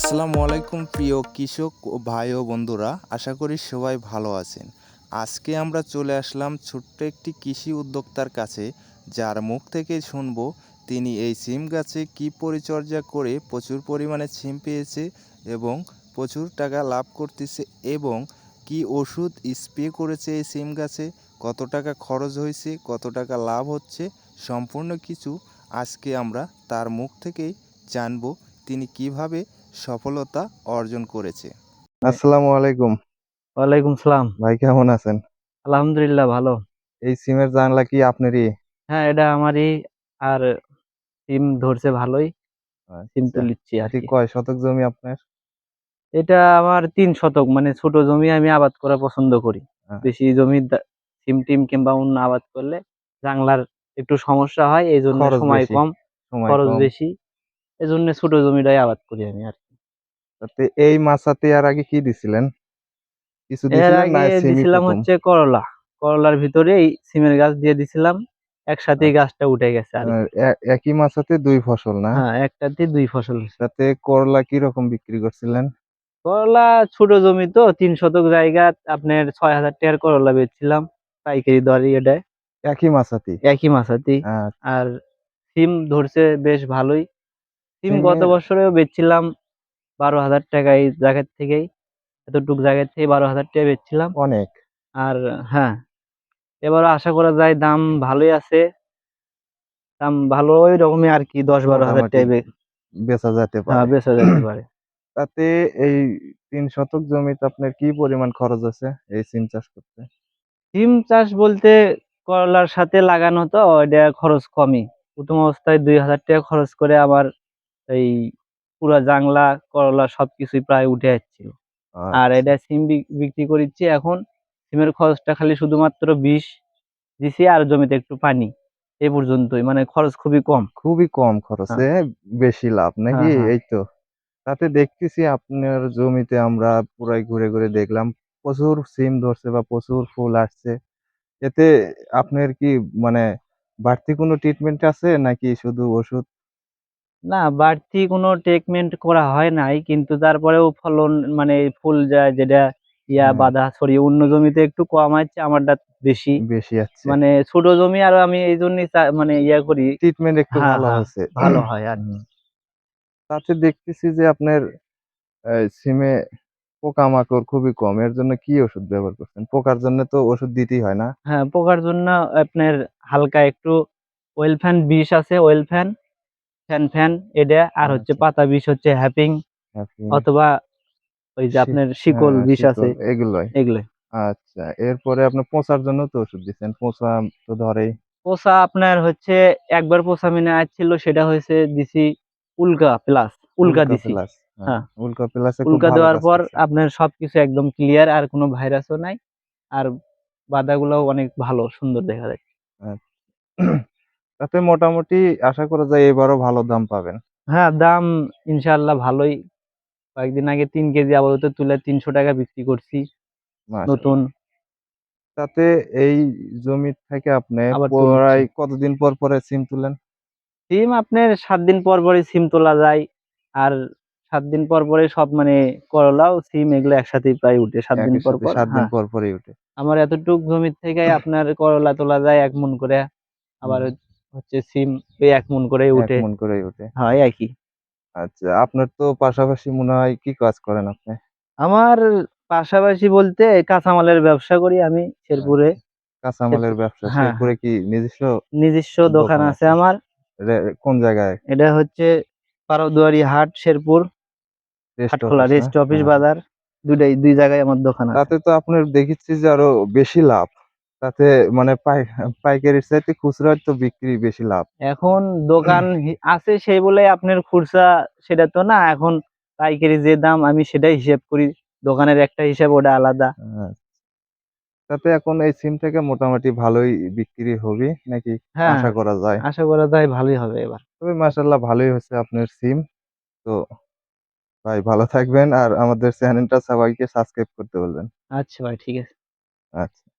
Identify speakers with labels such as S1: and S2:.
S1: আসসালামু আলাইকুম প্রিয় কৃষক ও ভাই ও বন্ধুরা, আশা করি সবাই ভালো আছেন। আজকে আমরা চলে আসলাম ছোট্ট একটি কৃষি উদ্যোক্তার কাছে, যার মুখ থেকে শুনবো তিনি এই সিম গাছে কী পরিচর্যা করে প্রচুর পরিমাণে সিম পেয়েছে এবং প্রচুর টাকা লাভ করতেছে, এবং কি ওষুধ স্প্রে করেছে এই সিম গাছে, কত টাকা খরচ হয়েছে, কত টাকা লাভ হচ্ছে, সম্পূর্ণ কিছু আজকে আমরা তার মুখ থেকেই জানবো তিনি কিভাবে সফলতা অর্জন করেছে। আসসালামু আলাইকুম।
S2: ওয়ালাইকুম সালাম।
S1: ভাই কেমন আছেন?
S2: আলহামদুলিল্লাহ ভালো।
S1: এই সিমের জানলা কি আপনারই?
S2: হ্যাঁ, এটা আমারই। আর সিম ধরছে ভালোই। সিম
S1: আচ্ছা,
S2: তুলিচ্ছি আর
S1: এটি
S2: কি।
S1: কয় শতক জমি আপনার?
S2: এটা আমার ৩ শতক, মানে ছোট জমি আমি আবাদ করা পছন্দ করি। বেশি জমি সিম টিম কিংবা অন্য আবাদ করলে জাংলার একটু সমস্যা হয়, এই জন্য
S1: খরচ
S2: সময়
S1: বেশি,
S2: কম,
S1: সময়
S2: খরচ
S1: কম।
S2: বেশি। এই জন্য ছোট জমিটাই আবাদ করি আমি আর কি।
S1: তাতে এই মাচাতে আর আগে কি দিছিলেন? কিছু
S2: এর
S1: দিছিলেন না
S2: আগে
S1: সিমই
S2: দিছিলাম
S1: প্রথম?
S2: হচ্ছে করলা। করলার ভিতরে এই সিমের গাছ দিয়ে দিছিলাম, একসাথেই
S1: আচ্ছা,
S2: গাছটা উঠে গেছে আর কি।
S1: একই মাচাতে দুই ফসল না?
S2: হ্যাঁ, একটাতে 2 ফসল।
S1: তাতে করলা কি রকম বিক্রি করছিলেন?
S2: করলা ছোট জমি তো, 3 শতক জায়গা, আপনার 6,000 টাকার করলা বেচছিলাম পাইকারি দরে এটায়,
S1: একই মাচাতেই?
S2: একই মাসাতেই।
S1: আচ্ছা।
S2: আর সিম ধরছে বেশ ভালোই। সিম গত
S1: সিমের
S2: বছরেও বেচছিলাম 12,000 টাকা, এই জায়গার থেকেই, এতটুক জায়গা থেকে 12,000 টাকা বেচছিলাম।
S1: অনেক
S2: আর হ্যাঁ, এবারও আশা করা যায় দাম ভালোই আছে। দাম ভালো ওই রকমই আর কি, 10-12 হাজার
S1: মোটামুটি
S2: টাকা
S1: বেচা যেতে
S2: হ্যাঁ,
S1: পারে।
S2: বেচা যেতে পারে।
S1: তাতে এই ৩ শতক জমিতে আপনার কি পরিমাণ খরচ আছে এই সিম চাষ করতে?
S2: সিম চাষ বলতে করলার সাথে লাগানো তো এটা খরচ কমই। প্রথম অবস্থায় 2,000 টাকা খরচ করে আমার এই পুরা জাংলা করলা সবকিছুই প্রায় উঠে যাচ্ছিল। আর
S1: আচ্ছা,
S2: এটা সিম বিক্রি করিচ্ছি এখন। সিমের খরচটা খালি শুধুমাত্র বিষ দিছি আর জমিতে একটু পানি, এই পর্যন্তই, মানে খরচ খুবই কম।
S1: খুবই কম
S2: হ্যাঁ,
S1: খরচে বেশি লাভ নাকি?
S2: হ্যাঁ, হ্যাঁ।
S1: এই তো। তাতে দেখতেছি আপনার জমিতে আমরা পুরাই ঘুরে ঘুরে দেখলাম প্রচুর সিম ধরছে বা প্রচুর ফুল আসছে। এতে আপনার কি মানে বাড়তি কোনো ট্রিটমেন্ট আছে নাকি শুধু ওষুধ?
S2: না, বাড়তি কোনো ট্রিটমেন্ট করা হয় নাই, কিন্তু তারপরেও ফলন, মানে ফুল যায় যেটা
S1: হ্যাঁ,
S2: বাধা ছড়িয়ে অন্য জমিতে একটু কম আছে, আমারটা বেশি।
S1: বেশি আসছে।
S2: মানে ছোট জমি আর আমি এই জন্যই মানে করি।
S1: ট্রিটমেন্ট একটু
S2: হ্যাঁ,
S1: ভালো
S2: হ্যাঁ,
S1: হয়েছে।
S2: ভালো হয় আর
S1: হুম।
S2: কি।
S1: তাতে দেখতেছি যে আপনার সিমে পোকামাকড় খুবই কম। এর জন্য কি ওষুধ ব্যবহার করছেন? পোকার জন্য তো ওষুধ দিতেই হয় না?
S2: হ্যাঁ, পোকার জন্য আপনার হালকা একটু ওয়েল ফ্যান বিষ আছে, ওয়েল ফ্যান, ফ্যান ফ্যান এটা, আর হচ্ছে
S1: আচ্ছা,
S2: পাতা বিষ হচ্ছে হ্যাপিং,
S1: ক্যাফিন,
S2: অথবা ওই যে আপনার শিকল
S1: হ্যাঁ,
S2: বিষ আছে,
S1: শিকল এগুলোই।
S2: এগুলো।
S1: আচ্ছা, এরপরে আপনার পচার জন্য তো ওষুধ দিচ্ছেন। পচা তো ধরেই।
S2: পোষা আপনার হচ্ছে একবার পোষা মিনে আসছিল, সেটা হয়েছে দিছি উল্কা প্লাস, উল্কা
S1: উল্কা
S2: দিছি।
S1: প্লাস। হ্যাঁ,
S2: হ্যাঁ,
S1: উল্কা প্লাসে খুব
S2: উল্কা
S1: ভালো
S2: দেওয়ার
S1: কাজ
S2: পর
S1: করছে।
S2: আপনার সবকিছু একদম ক্লিয়ার, আর কোনো ভাইরাসও নাই। আর বাদাগুলোও অনেক ভালো সুন্দর দেখা যায়।
S1: আচ্ছা। তাতে মোটামুটি আশা করা যায় এবারও ভালো দাম পাবেন।
S2: হ্যাঁ, দাম ইনশাআল্লাহ ভালোই। কয়েকদিন আগে 3 কেজি আপাতত তুলে 300 টাকা বিক্রি করছি নতুন।
S1: মাশাআল্লাহ। তাতে এই জমি থেকে আপনি
S2: আবার তুলছি
S1: প্রায় কতদিন পর পরে সিম তুলেন?
S2: সিম, আপনার 7 দিন পর পরই সিম তোলা যায়। আর 7 দিন পর পরে সব, মানে করলাও সিম এগুলো একসাথেই প্রায় উঠে 7 দিন
S1: একই
S2: পর
S1: সাথে
S2: পর।
S1: ৭ দিন
S2: হ্যাঁ,
S1: পর পরই ওঠে।
S2: আমার এতটুক জমির থেকে আপনার করলা তোলা যায় 1 মণ করে। আবার
S1: হুম,
S2: হচ্ছে সিম এই 1 মণ করেই
S1: ১
S2: উঠে।
S1: মণ করেই ওঠে।
S2: হয় একই।
S1: আচ্ছা, আপনার তো পাশাপাশি মনে হয় কি কাজ করেন আপনি?
S2: আমার পাশাপাশি বলতে কাঁচামালের ব্যবসা করি আমি শেরপুরে।
S1: আচ্ছা, কাঁচামালের ব্যবসা।
S2: হ্যাঁ,
S1: শেরপুরে
S2: হ্যাঁ,
S1: কি নিজস্ব
S2: নিজস্ব দোকান
S1: দোকান
S2: আছে
S1: আছে?
S2: আমার।
S1: রে কোন জায়গায়?
S2: এটা হচ্ছে পারদুয়ারি হাট, শেরপুর
S1: রেস্ট
S2: হাটখোলা
S1: অফিস না?
S2: রেস্ট অফিস
S1: হ্যাঁ।
S2: বাজার, দুই জায়গায় আমার দোকান আছে।
S1: তাতে তো আপনার দেখেছি যে আরো বেশি লাভ। তাতে মানে পাইকারির চাইতে খুচরায় তো বিক্রি বেশি লাভ।
S2: এখন দোকান আছে সেই বলে আপনার খুচরা, সেটা তো না। এখন পাইকারি যে দাম আমি সেটাই হিসেব করি, দোকানের একটা হিসাব ওটা আলাদা।
S1: হ্যাঁ, তাতে এখন এই সিম থেকে মোটামুটি ভালোই বিক্রি হবে নাকি
S2: হ্যাঁ,
S1: আশা করা যায়?
S2: আশা করা যায় ভালোই হবে এবার।
S1: তবে মাশাআল্লাহ ভালোই হচ্ছে আপনার সিম। তো ভাই ভালো থাকবেন আর আমাদের চ্যানেলটা সবাইকে সাবস্ক্রাইব করতে বলবেন।
S2: আচ্ছা ভাই, ঠিক আছে।
S1: আচ্ছা।